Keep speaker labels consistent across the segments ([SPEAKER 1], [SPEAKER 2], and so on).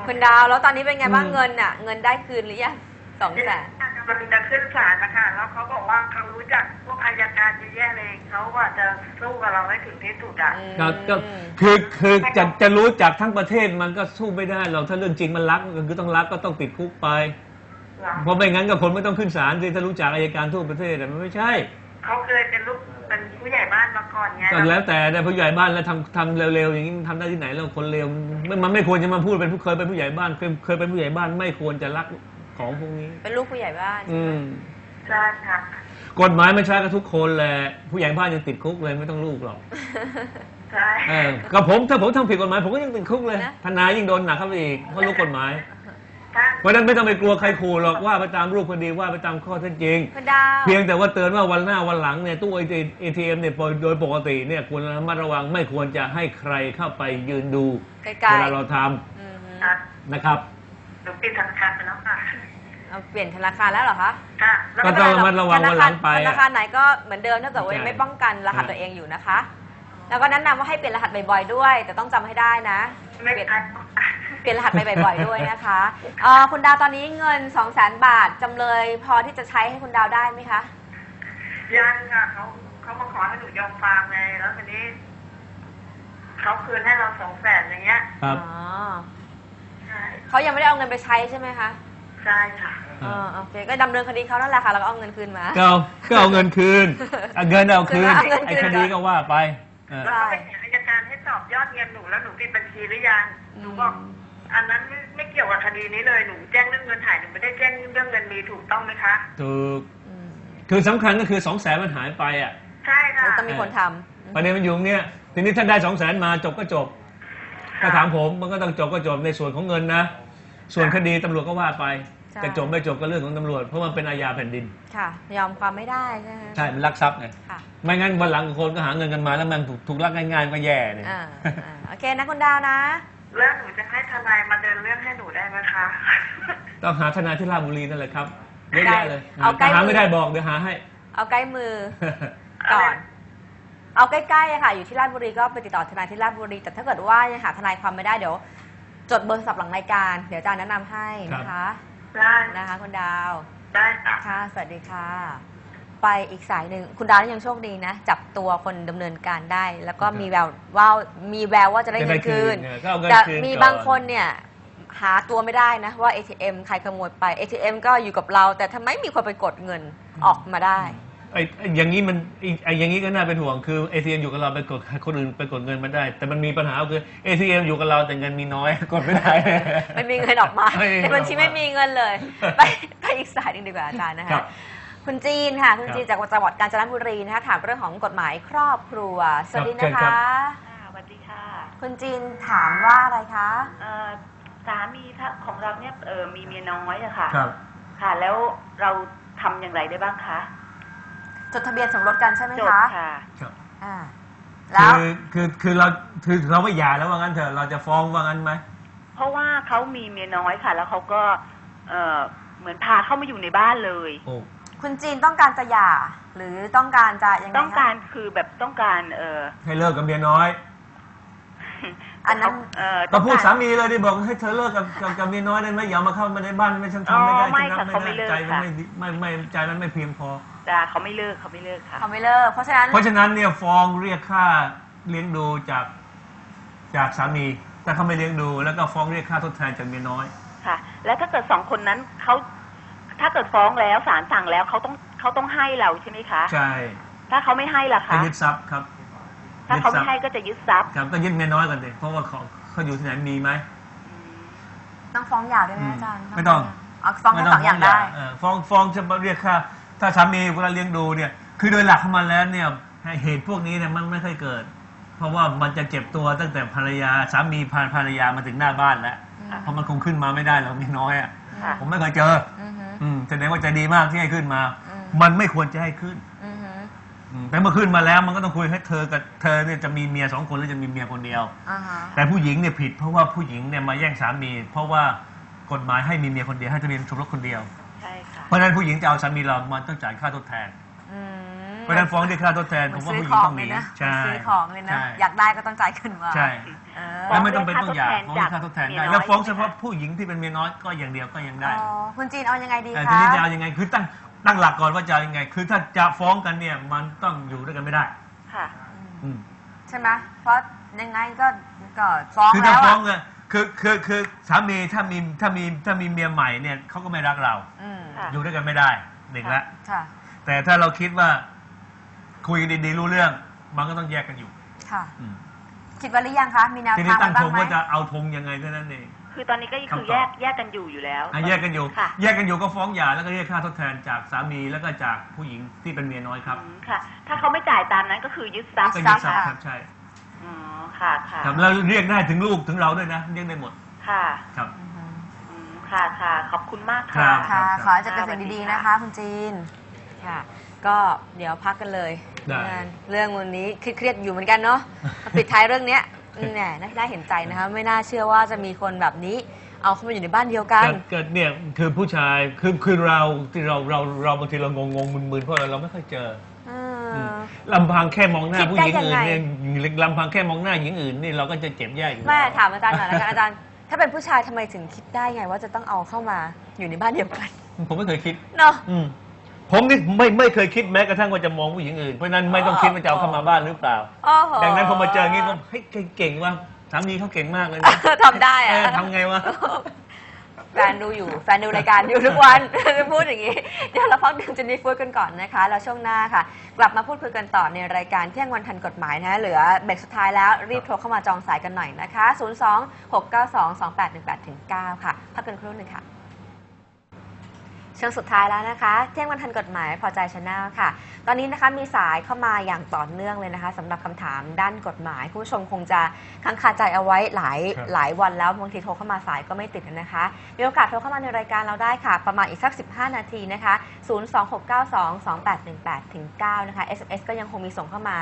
[SPEAKER 1] คุณดาวแล้วตอนนี้เป็นไงบ้างเงินอ่ะเงินได้คืนหรือยัง200,000
[SPEAKER 2] กำลังจะขึ้นศาลนะคะแล้วเขาบอกว่าเขารู้จักพวกอัยการเยอะแยะเลยเขาว่าจะสู้กับเราให้ถึงที่สุดอ่ะ
[SPEAKER 3] ก็คือจะรู้จักทั้งประเทศมันก็สู้ไม่ได้หรอกถ้าเรื่องจริงมันรักก็คือต้องรักก็ต้องติดคุกไปเพราะไม่งั้นก็คนไม่ต้องขึ้นศาลสิถ้ารู้จักอัยการทั่วประเทศแต่มันไม่ใช่
[SPEAKER 2] เขาเคยเป็นผู้ใหญ่บ้านมาก่อนไง
[SPEAKER 3] ก็แล้วแต่ผู้ใหญ่บ้านแล้วทำเร็วๆอย่างนี้ทำได้ที่ไหนแล้วคนเร็วมันไม่ควรจะมาพูดเป็นเคยเป็นผู้ใหญ่บ้านเคยเป็นผู้ใหญ่บ้านไม่ควรจะรักของพวกนี้
[SPEAKER 1] เป็นลูกผู้ใหญ่บ้าน
[SPEAKER 2] ใช่ค่ะ
[SPEAKER 3] กฎหมายไม่ใช่กับทุกคนแหละผู้ใหญ่บ้านยังติดคุกเลยไม่ต้องลูกหรอก
[SPEAKER 2] ใช่
[SPEAKER 3] ก็ถ้าผมทำผิดกฎหมายผมก็ยังติดคุกเลยทนายยิ่งโดนหนักเข้าไปอีกเพราะรู้กฎหมายเพราะนั้นไม่ต้องไปกลัวใครขู่หรอกว่าไปตามรูปคดีว่าไปตามข้อเท็จจริงเพียงแต่ว่าเตือนว่าวันหน้าวันหลังเนี่ยตู้ ATM เนี่ยโดยปกติเนี่ยควรระมัดระวังไม่ควรจะให้ใครเข้าไปยืนดูเวลาเราทำนะครับ
[SPEAKER 2] หนูปิดธนาคารไปแล้วค่ะ
[SPEAKER 1] เอาเปลี่ยนธนาคารแล้วเหรอคะ
[SPEAKER 3] ก็ต้องระมัดระวังวันหลังไป
[SPEAKER 1] ธนาคารไหนก็เหมือนเดิมถ้าเกิดว่าไม่ป้องกันรหัสตัวเองอยู่นะคะแล้วก็แนะนำว่าให้เปลี่ยนรหัสบ่อยๆด้วยแต่ต้องจำให้ได้นะเปลี่ยนรหัสไปบ่อยๆด้วยนะคะคุณดาวตอนนี้เงิน200,000 บาทจำเลยพอที่จะใช้ให้คุณดาวได้ไหมคะ
[SPEAKER 2] ยังค่ะเขามาขอให้หนูยอมฟาร์มไงแล้วทีนี้เขาคืนให้เรา200,000อย่างเงี้ย
[SPEAKER 3] ครับ
[SPEAKER 1] เขายังไม่ได้เอาเงินไปใช้ใช่ไหมคะ
[SPEAKER 2] ใช่ค่ะ
[SPEAKER 1] โอเคก็ดำเนินคดีเขานั่นแหละค่ะแล้วก็เอาเงินคืนมา
[SPEAKER 3] ก็เอาเงินคืนเงินเอาคืนไอ้คดีก็ว่าไป
[SPEAKER 2] แล้วก็ไปอัยการให้สอบยอดเงินหนูแล้วหนูปิดบัญชีหรือยังหนูบอกอันนั้นไม่เกี่ยวกับคดีนี้เลยหนูแจ้งเรื่องเงินหายหนูไม่ได้แจ้งเรื่องเงินมีถูกต้องไหมคะ
[SPEAKER 3] ถูกคือสำคัญก็คือ200,000มันหายไปอ่ะ
[SPEAKER 2] ใช่ค่ะ
[SPEAKER 1] ต้องมีคนทำ
[SPEAKER 3] ประเด็นมันอยู่เนี่ยทีนี้ถ้าได้200,000มาจบก็จบถ้าถามผมมันก็ต้องจบก็จบในส่วนของเงินนะส่วนคดีตำรวจก็ว่าไปจะจบไม่จบก็เรื่องของตำรวจเพราะมันเป็นอาญาแผ่นดิน
[SPEAKER 1] ค่ะยอมความไม่ได้ใช่ไหม
[SPEAKER 3] ใช่มันลักทรัพย์ไงไม่งั้นวันหลังคนก็หาเงินกันมาแล้วมันถูกลักง่ายๆก็แย่เนี่ย
[SPEAKER 1] โอเคนะคุณดาวนะ
[SPEAKER 2] แล้วหนูจะให้ทนายมาเดินเรื่องให้หนูได้ไหมคะ
[SPEAKER 3] ต้องหาทนายที่ราชบุรีนั่นแหละครับเยอะแยะเลยหาไม่ได้บอกเดี๋ยวหาให้
[SPEAKER 1] เอาใกล้มือก่อนเอาใกล้ๆค่ะอยู่ที่ราชบุรีก็ไปติดต่อทนายที่ราชบุรีแต่ถ้าเกิดว่ายังหาทนายความไม่ได้เดี๋ยวจดเบอร์โทรศัพท์หลังรายการเดี๋ยวอาจารย์แนะนำให้นะคะ
[SPEAKER 2] ได้
[SPEAKER 1] นะคะคุณดาว
[SPEAKER 2] ได้
[SPEAKER 1] ค่ะสวัสดีค่ะไปอีกสายหนึ่งคุณดาวยังโชคดีนะจับตัวคนดำเนินการได้แล้วก็มีแววว่าจะได้เงินคืนแต่มีบางคนเนี่ยหาตัวไม่ได้นะว่า ATM ใครขโมยไป ATM ก็อยู่กับเราแต่ทำไมมีคนไปกดเงินออกมาได้
[SPEAKER 3] อย่างนี้มันอย่างนี้ก็น่าเป็นห่วงคือ ATM อยู่กับเราไปกดคนอื่นไปกดเงินมาได้แต่มันมีปัญหาคือ ATM อยู่กับเราแต่เงินมีน้อยกดไม่ได้
[SPEAKER 1] ไม่มีเงินออกมาในบัญชีไม่มีเงินเลยไปอีกสายหนึ่งดีกว่าอาจารย์นะคะคุณจีนค่ะคุณจีนจากจังหวัดกาญจนบุรีนะคะถามเรื่องของกฎหมายครอบครัวสวัสดีนะคะ
[SPEAKER 2] สวัสดีค่ะ
[SPEAKER 1] คุณจีนถามว่าอะไรคะ
[SPEAKER 2] สามีของเราเนี่ยมีเมียน้อยอะค่ะค่ะแล้วเราทำอย่างไรได้บ้างคะ
[SPEAKER 1] จดทะเบียนสมรสกันใช่ไหมคะ
[SPEAKER 2] จดค่ะ
[SPEAKER 1] แล้ว
[SPEAKER 3] คือเราไม่หย่าแล้วว่างั้นเถอะเราจะฟ้องว่างั้นไหม
[SPEAKER 2] เพราะว่าเขามีเมียน้อยค่ะแล้วเขาก็เหมือนพาเข้ามาอยู่ในบ้านเลย
[SPEAKER 1] คุณจีนต้องการจะหย่าหรือต้องการจะยังไง
[SPEAKER 2] ต้องการคือแบบต้องการ
[SPEAKER 3] ให้เลิกกับเมียน้อย
[SPEAKER 1] อันนั้น
[SPEAKER 3] ก็พูดสามีเลยดิบอกให้เธอเลิกกับเมียน้อยได้ไหมอย่ามาเข้ามาในบ้านไม่ฉันทำไม่ได้
[SPEAKER 2] ไม่ค่ะเขาไม่เลิกค่ะ
[SPEAKER 3] ไม่ใจมันไม่เพียงพอ
[SPEAKER 2] จ้าเขาไม่เลิกค่ะ
[SPEAKER 1] เขาไม่เลิกเพราะฉะ
[SPEAKER 3] นั้นเนี่ยฟ้องเรียกค่าเลี้ยงดูจากสามีแต่เขาไม่เลี้ยงดูแล้วก็ฟ้องเรียกค่าทดแทนจากเมียน้อย
[SPEAKER 2] ค่ะแล้วถ้าเกิด2คนนั้นเขาถ้าเกิดฟ้องแล้วศาลสั่งแล้วเขาต้องให้เราใช่ไหมคะ
[SPEAKER 3] ใช่
[SPEAKER 2] ถ้าเขาไม่ให้ล่ะคะ
[SPEAKER 3] ยึดทรัพย์ครับ
[SPEAKER 2] ถ้าเขาไม่ให้ก็จะยึดทรัพย์
[SPEAKER 3] ครับก็ยึดเมียน้อยกันเลยเพราะว่าเขาอยู่ที่ไหนมีไหม
[SPEAKER 1] ต้องฟ้องหย่าด้วยไหมอาจารย์
[SPEAKER 3] ไม่ต้อง
[SPEAKER 1] ฟ้องทั้ง2อย่างได้
[SPEAKER 3] ฟ้องจะเรียกค่าถ้าสามีเวลาเลี้ยงดูเนี่ยคือโดยหลักของมันแล้วเนี่ยเหตุพวกนี้เนี่ยมันไม่ค่อยเกิดเพราะว่ามันจะเก็บตัวตั้งแต่ภรรยาสามีพาภรรยามาถึงหน้าบ้านแล้วเพราะมันคงขึ้นมาไม่ได้หรอกมีน้อยอ่ะผมไม่เคยเจอแสดงว่าใจดีมากที่ให้ขึ้นมามันไม่ควรจะให้ขึ้นแต่เมื่อขึ้นมาแล้วมันก็ต้องคุยให้เธอกับเธอเนี่ยจะมีเมีย2 คนหรือจะมีเมียคนเดียวแต่ผู้หญิงเนี่ยผิดเพราะว่าผู้หญิงเนี่ยมาแย่งสามีเพราะว่ากฎหมายให้มีเมียคนเดียวให้ทะเบียนสมรสคนเดียวเพราะฉะนั้นผู้หญิงจะเอาสามีเรามันต้องจ่ายค่าทดแทนเพราะฉะนั้นฟ้องด้วยค่าทดแทนผมว่าผู้หญิงต้องมีใช่
[SPEAKER 1] ซื้อของเลยนะ
[SPEAKER 3] ใช่
[SPEAKER 1] อยากได้ก็ต้องจ่ายเงินมา
[SPEAKER 3] ใช่
[SPEAKER 1] เออ
[SPEAKER 3] แล้วไม่ต้องเป็นต้องหย่าฟ้องด้วยค่าทดแทนได้
[SPEAKER 2] เมียน้อย
[SPEAKER 3] แล้วฟ้องเฉพาะผู้หญิงที่เป็นเมียน้อยก็อย่างเดียวก็ยังได้
[SPEAKER 1] อ๋อคุณจีนเอายังไงดี
[SPEAKER 3] แต่
[SPEAKER 1] คะ
[SPEAKER 3] ทีนี้จะเอายังไงคือตั้งหลักก่อนว่าจะเอายังไง คือถ้าจะฟ้องกันเนี่ยมันต้องอยู่ด้วยกันไม่ได้
[SPEAKER 2] ค่ะ
[SPEAKER 3] อืม
[SPEAKER 1] ใช่ไหมเพราะยังไงก็ฟ้อง
[SPEAKER 3] คือ
[SPEAKER 1] แล้
[SPEAKER 3] ถ้าว ฟ้อง
[SPEAKER 1] อะ
[SPEAKER 3] เนี่ยคือสามีถ้ามีเมียใหม่เนี่ยเขาก็ไม่รักเรา
[SPEAKER 1] อืม
[SPEAKER 2] ค่ะ
[SPEAKER 3] อยู่ด้วยกันไม่ได้หนึ่งละ
[SPEAKER 1] ค่ะ
[SPEAKER 3] แต่ถ้าเราคิดว่าคุยกันดีๆรู้เรื่องมันก็ต้องแยกกันอยู่
[SPEAKER 1] ค่ะ
[SPEAKER 3] อืม
[SPEAKER 1] คิดว่าหรือยังคะมีแนว
[SPEAKER 3] ที
[SPEAKER 1] ทา
[SPEAKER 3] นี้
[SPEAKER 1] ง
[SPEAKER 3] ตั้ง
[SPEAKER 1] บ้า
[SPEAKER 3] ธ
[SPEAKER 1] ง
[SPEAKER 3] ง
[SPEAKER 1] ไหม
[SPEAKER 3] ว่าจะเอาธงยังไงเท่านั้นเอง
[SPEAKER 2] คือตอนนี้ก็คือ
[SPEAKER 3] คำตอบ
[SPEAKER 2] แยกกันอยู่แล้ว
[SPEAKER 3] แยกกันอยู่
[SPEAKER 2] ค่ะ
[SPEAKER 3] แยกกันอยู่ก็ฟ้องหย่าแล้วก็เรียกค่าทดแทนจากสามีแล้วก็จากผู้หญิงที่เป็นเมียน้อยครับ
[SPEAKER 2] ค่ะ ถ้าเขาไม่จ่ายตามนั้นก็คือยึดทรัพย์
[SPEAKER 3] ก็ยึดทรัพย์ครับใช่
[SPEAKER 2] อ๋อค่ะค่ะ
[SPEAKER 3] ครับแล้วเรียกได้ถึงลูกถึงเราด้วยนะเรียกได้หมด
[SPEAKER 2] ค่ะ
[SPEAKER 3] ครับ
[SPEAKER 2] ค่ะค่ะขอบคุณมาก
[SPEAKER 3] ครั
[SPEAKER 2] ค่ะ
[SPEAKER 3] บ
[SPEAKER 1] ค่ะ ขอให้เจะเป็นสิ่งดีๆนะคะ คุณจีน ค่ะ ก็เดี๋ยวพักกันเลย
[SPEAKER 3] ได้
[SPEAKER 1] เรื่องวันนี้เครียดๆอยู่เหมือนกันเนาะมาปิดท้ายเรื่องเนี้ยแหมน่าเห็นใจนะคะ ไม่น่าเชื่อว่าจะมีคนแบบนี้ เอาเข้ามาอยู่ในบ้านเดียวกัน
[SPEAKER 3] เกิดเนี่ยคือผู้ชายคือเราที่เราบางทีเรางงมึนๆเพราะเราไม่ค่อยเจอ ลำพังแค่มองหน้า
[SPEAKER 1] คิด
[SPEAKER 3] ผู้
[SPEAKER 1] ได้
[SPEAKER 3] หญิงอื่น
[SPEAKER 1] ยังไง
[SPEAKER 3] เนี่ยลำพังแค่มองหน้าหญิงอื่นนี่เราก็จะเจ็บแย่อยู่
[SPEAKER 1] แม่
[SPEAKER 3] แล้ว
[SPEAKER 1] ถามอาจารย์หน่อยนะคะอาจารย์ ถ้าเป็นผู้ชายทำไมถึงคิดได้ไงว่าจะต้องเอาเข้ามาอยู่ในบ้านเดียวกัน
[SPEAKER 3] ผมไม่เคยคิด
[SPEAKER 1] เนาะ
[SPEAKER 3] ผมนี่ไม่เคยคิดแม้กระทั่งว่าจะมองผู้หญิงอื่นเพราะฉะนั้นไม่ต้องคิดว่าจะเอาเข้ามาบ้านหรือเปล่า
[SPEAKER 1] โอ้โห
[SPEAKER 3] ดังนั้นพอมาเจออย่างนี้ก็เฮ้ยเก่งว่ะสามีเขาเก่งมากเลยนะ
[SPEAKER 1] ทำได้อะ
[SPEAKER 3] ทำไงวะ
[SPEAKER 1] แฟนดูอยู่ แฟนดูรายการอยู่ทุกวัน จะพูดอย่างนี้ เดี๋ยวเราพักดื่มเจนนี่ฟูดกันก่อนนะคะ แล้วช่วงหน้าค่ะ กลับมาพูดคุยกันต่อในรายการเที่ยงวันทันกฎหมายนะ เหลือเบรกสุดท้ายแล้ว รีบโทรเข้ามาจองสายกันหน่อยนะคะ 02-692-2818-9 ค่ะ พักกันครู่หนึ่งค่ะ ช่วงสุดท้ายแล้วนะคะเที่ยงวันทันกฎหมายพอใจชาแนลค่ะ ตอนนี้นะคะมีสายเข้ามาอย่างต่อเนื่องเลยนะคะสำหรับคำถามด้านกฎหมายคุณผู้ชมคงจะค้างคาใจเอาไว้หลายวันแล้วบางทีโทรเข้ามาสายก็ไม่ติดนะคะมีโอกาสโทรเข้ามาในรายการเราได้ค่ะประมาณอีกสัก15 นาทีนะคะ 026922818-9 นะคะ SMS ก็ยังคงมีส่งเข้ามา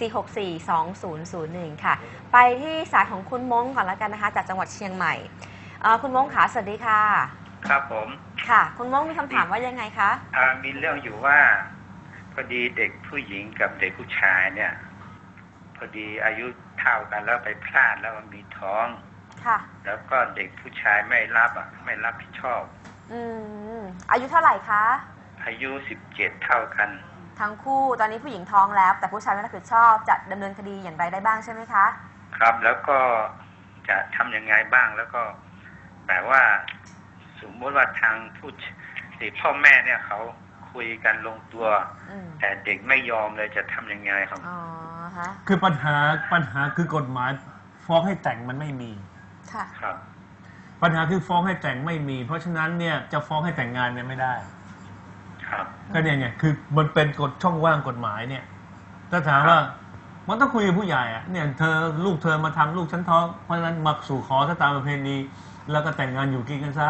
[SPEAKER 1] 4642001 ค่ะ ไปที่สายของคุณม้งก่อนแล้วกันนะคะจากจังหวัดเชียงใหม่คุณม้งค่ะสวัสดีค่ะ
[SPEAKER 4] ครับผม
[SPEAKER 1] ค่ะคุณม้งมีคำถามว่ายังไงคะ
[SPEAKER 4] มีเรื่องอยู่ว่าพอดีเด็กผู้หญิงกับเด็กผู้ชายเนี่ยพอดีอายุเท่ากันแล้วไปพลาดแล้วมันมีท้อง
[SPEAKER 1] ค่ะ
[SPEAKER 4] แล้วก็เด็กผู้ชายไม่รับผิดชอบ
[SPEAKER 1] อายุเท่าไหร่คะ
[SPEAKER 4] อายุ17เท่ากัน
[SPEAKER 1] ทั้งคู่ตอนนี้ผู้หญิงท้องแล้วแต่ผู้ชายไม่รับผิดชอบจะดำเนินคดีอย่างไรได้บ้างใช่ไหมคะ
[SPEAKER 4] ครับแล้วก็จะทำยังไงบ้างแล้วก็แบบว่าสมมติว่าทางพ่อแม่เนี่ยเขาคุยกันลงตัวแต่เด็กไม่ยอมเลยจะทำยังไงครับ
[SPEAKER 1] อ๋อฮะ
[SPEAKER 3] คือปัญหาคือกฎหมายฟ้องให้แต่งมันไม่มี
[SPEAKER 1] ค่ะ
[SPEAKER 4] ครับ
[SPEAKER 3] ปัญหาคือฟ้องให้แต่งไม่มีเพราะฉะนั้นเนี่ยจะฟ้องให้แต่งงานเนี่ยไม่ได้
[SPEAKER 4] ครับ
[SPEAKER 3] ก็เนี่ยไงคือมันเป็นกฎช่องว่างกฎหมายเนี่ยถ้าถามว่ามันต้องคุยกับผู้ใหญ่อะเนี่ยลูกเธอมาทำลูกฉันท้องเพราะฉะนั้นมาสู่ขอถ้าตามประเพณีแล้วก็แต่งงานอยู่กินกันซะ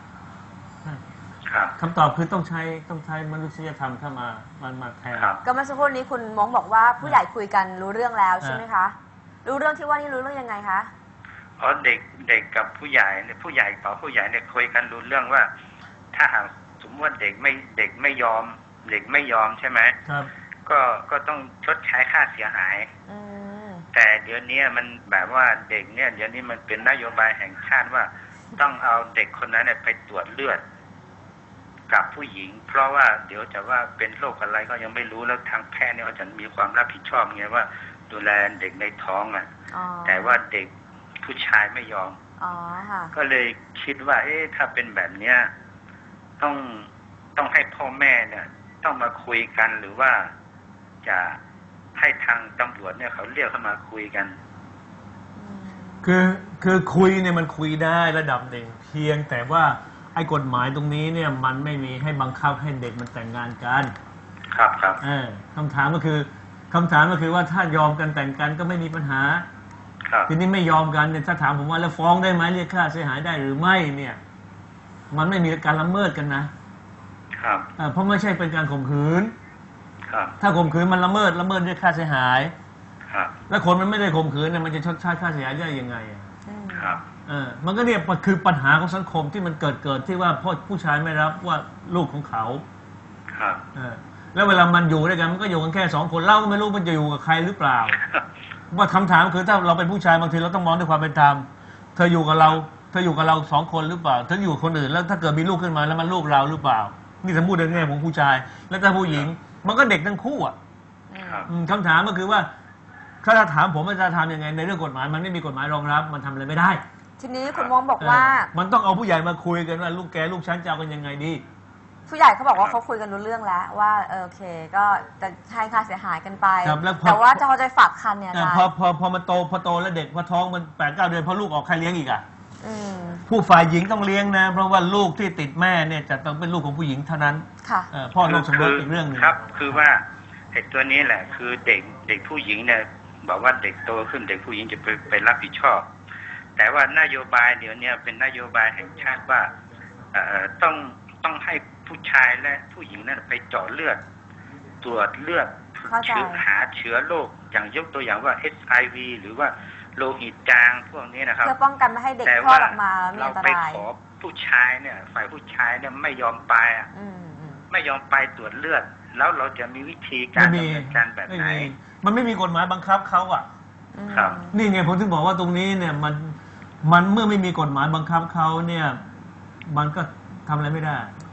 [SPEAKER 3] คำตอบคือต้องใช้มนุษยธรรมเข้ามาแทน
[SPEAKER 1] ก็เมื่อสักครู่นี้คุณม้งบอกว่าผู้ใหญ่คุยกันรู้เรื่องแล้วใช่ไหมคะรู้เรื่องที่ว่านี่รู้เรื่องยังไงคะ
[SPEAKER 4] อ๋อเด็กกับผู้ใหญ่เนี่ยผู้ใหญ่เนี่ยคุยกันรู้เรื่องว่าถ้าหากสมมติว่าเด็กไม่ยอมใช่ไหม
[SPEAKER 3] ครับ
[SPEAKER 4] ก็ต้องชดใช้ค่าเสียหายแต่เดี๋ยวนี้มันแบบว่าเด็กเนี่ยเดี๋ยวนี้มันเป็นนโยบายแห่งชาติว่าต้องเอาเด็กคนนั้นเนี่ยไปตรวจเลือดกับผู้หญิงเพราะว่าเดี๋ยวจะว่าเป็นโรคอะไรก็ยังไม่รู้แล้วทางแพทย์เนี่ยเขาจะมีความรับผิดชอบไงว่าดูแลเด็กในท้องแต่ว่าเด็กผู้ชายไม่ยอมก็เลยคิดว่าถ้าเป็นแบบเนี้ยต้องให้พ่อแม่เนี่ยต้องมาคุยกันหรือว่าจะให้ทางตำรวจเนี่ยเขาเรียกเข้ามาคุยกัน
[SPEAKER 3] คือคุยเนี่ยมันคุยได้ระดับหนึ่งเพียงแต่ว่าไอ้กฎหมายตรงนี้เนี่ยมันไม่มีให้บังคับให้เด็กมันแต่งงานกัน
[SPEAKER 4] ครับ
[SPEAKER 3] คำถามก็คือว่าถ้ายอมกันแต่งกันก็ไม่มีปัญหาทีนี้ไม่ยอมกันเนี่ยถ้าถามผมว่าแล้วฟ้องได้ไหมเรียกค่าเสียหายได้หรือไม่เนี่ยมันไม่มีการละเมิดกันนะครับเพราะไม่ใช่เป็นการข่มขืนถ้าข่มขืนมันละเมิดเรียกค่าเสียหายแล้วคนมันไม่ได้ข่มขืนเนี่ยมันจะชดใช้ค่าเสียหายได้ยังไงมันก็เนี่ยคือปัญหาของสังคมที่มันเกิดที่ว่าพ่อผู้ชายไม่รับว่าลูกของเขาแล้วเวลามันอยู่ด้วยกันมันก็อยู่กันแค่2 คนเราก็ไม่รู้มันจะอยู่กับใครหรือเปล่าว่าคำถามคือถ้าเราเป็นผู้ชายบางทีเราต้องมองด้วยความเป็นธรรมเธออยู่กับเรา2 คนหรือเปล่าเธออยู่กับคนอื่นแล้วถ้าเกิดมีลูกขึ้นมาแล้วมันลูกเราหรือเปล่านี่สมมติในแง่ของผู้ชายแล้วถ้าผู้หญิงมันก็เด็กทั้งคู่อ่ะ
[SPEAKER 4] ครับ
[SPEAKER 3] คำถามก็คือว่าถ้าถามผมว่าจะทำยังไงในเรื่องกฎหมายมันไม่มีกฎหมายรองรับมันทำอะไรไม่ได้
[SPEAKER 1] ทีนี้คุณมงบอกว่า
[SPEAKER 3] มันต้องเอาผู้ใหญ่มาคุยกันว่าลูกแกลูกฉันจะเอากันยังไงดี
[SPEAKER 1] ผู้ใหญ่เขาบอกว่าเขาคุยกันรู้เรื่องแล้วว่าโอเคก็จะให้ค่าเสียหายกันไป
[SPEAKER 3] ครับแล้วพอ
[SPEAKER 1] แต่ว่าจะเขาจะฝากคันเนี่ยอาจารย์
[SPEAKER 3] พอมันโตแล้วเด็กพอท้องมัน8-9 เดือนพอลูกออกใครเลี้ยงอีกอ่ะ
[SPEAKER 1] อืม
[SPEAKER 3] ผู้ฝ่ายหญิงต้องเลี้ยงนะเพราะว่าลูกที่ติดแม่เนี่ยจะต้องเป็นลูกของผู้หญิงเท่านั้น
[SPEAKER 1] ค่ะ
[SPEAKER 3] พ่อนอกสมรสอีกเรื่องหนึง
[SPEAKER 4] ครับ คือว่าไอ้ตัวนี้แหละ คือเด็กผู้หญิงเนี่ยบอกว่าเด็กโตขึ้นเด็กผู้หญิงจะไปรับผิดชอบ แต่ว่านโยบายเดี๋ยวนี้เป็นนโยบายแห่งชาติว่าต้องให้ผู้ชายและผู้หญิงนั้นไปเจาะเลือด ตรวจเลือด
[SPEAKER 1] เข้าใจ
[SPEAKER 4] หาเชื้อโรคอย่างยกตัวอย่างว่า HIV หรือว่าโลหิตจางพวกนี้นะครับ
[SPEAKER 1] เพื่อป้องกันไม่ให้เด็ก
[SPEAKER 4] แต่
[SPEAKER 1] คลอ
[SPEAKER 4] ว่า
[SPEAKER 1] ดออกมาแล้วมี
[SPEAKER 4] เรา
[SPEAKER 1] อันต
[SPEAKER 4] ไป
[SPEAKER 1] ราย
[SPEAKER 4] ขอผู้ชายเนี่ยฝ่ายผู้ชายเนี่ยไม่ยอมไปอ่ะ
[SPEAKER 1] อืม
[SPEAKER 4] ไม่ยอมไปตรวจเลือด แล้วเราจะมีวิธีการดำเนินการแบบไหน
[SPEAKER 3] มันไม่มีกฎหมายบังคับเขาอ่ะ
[SPEAKER 4] ครับ
[SPEAKER 3] นี่ไงผมถึงบอกว่าตรงนี้เนี่ยมันเมื่อไม่มีกฎหมายบังคับเขาเนี่ยมันก็ทำอะไรไม่ได้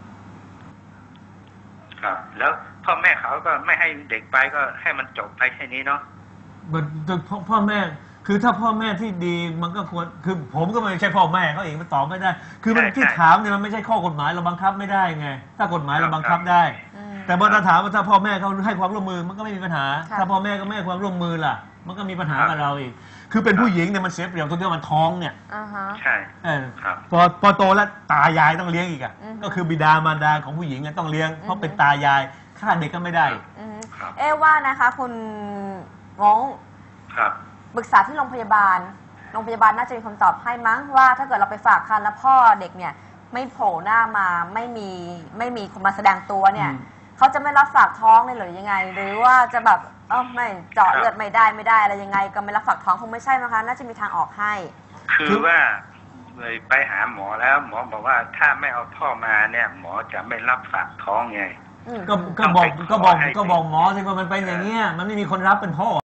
[SPEAKER 4] ครับ แล้วพ่อแม่เขาก็ไม่ให้เด็กไปก็ให้มันจบไปแค่นี้เนาะ
[SPEAKER 3] พ่อแม่คือถ้าพ่อแม่ที่ดีมันก็ควรคือผมก็ไม่ใช่พ่อแม่เขาเองมันตอบไม่ได้ คือมันที่ถามเนี่ยมันไม่ใช่ข้อกฎหมายเราบังคับไม่ได้ไงถ้ากฎหมายเราบังคับได้
[SPEAKER 1] อืม
[SPEAKER 3] แต่พอเราถามว่าถ้าพ่อแม่เขาให้ความร่วมมือมันก็ไม่มีปัญหา
[SPEAKER 1] ค่ะ
[SPEAKER 3] ถ้าพ่อแม่ก็ไม่ให้ความร่วมมือล่ะ มันก็มีปัญหากับเราอีกคือเป็นผู้หญิงเนี่ยมันเสียเปรียบตรงที่ว่ามันท้องเนี่ย
[SPEAKER 1] อ่าฮะ
[SPEAKER 4] ใช่ ครับ
[SPEAKER 3] พอโตแล้วตายายต้องเลี้ยงอีกอ่ะ
[SPEAKER 1] อือฮึ
[SPEAKER 3] ก็คือบิดามารดาของผู้หญิงอะต้องเลี้ยงเพราะเป็นตายายฆ่าเด็กก็ไม่ได้
[SPEAKER 1] อืม
[SPEAKER 4] ครับ
[SPEAKER 1] ว่านะคะ คุณมง
[SPEAKER 4] ครับ
[SPEAKER 1] ปรึกษาที่โรงพยาบาลน่าจะมีคำตอบให้มั้งว่าถ้าเกิดเราไปฝากคันแล้วพ่อเด็กเนี่ยไม่โผล่หน้ามาไม่มีคนมาแสดงตัวเนี่ย
[SPEAKER 3] อืม
[SPEAKER 1] เขาจะไม่รับฝากท้องเลยหรือยังไง หรือว่าจะแบบไม่เจาะเลือดไม่ได้อะไรยังไง ก็ไม่รับฝากท้องคงไม่ใช่มั้งคะน่าจะมีทางออกให้
[SPEAKER 4] คือว่าเลยไปหาหมอแล้วหมอบอกว่าถ้าไม่เอาพ่อมาเนี่ย หมอจะไม่รับฝากท้องไง
[SPEAKER 1] อืม
[SPEAKER 3] ก็บอกหมอสิว่ามันเป็นอย่างเงี้ยมันไม่มีคนรับเป็นพ่อ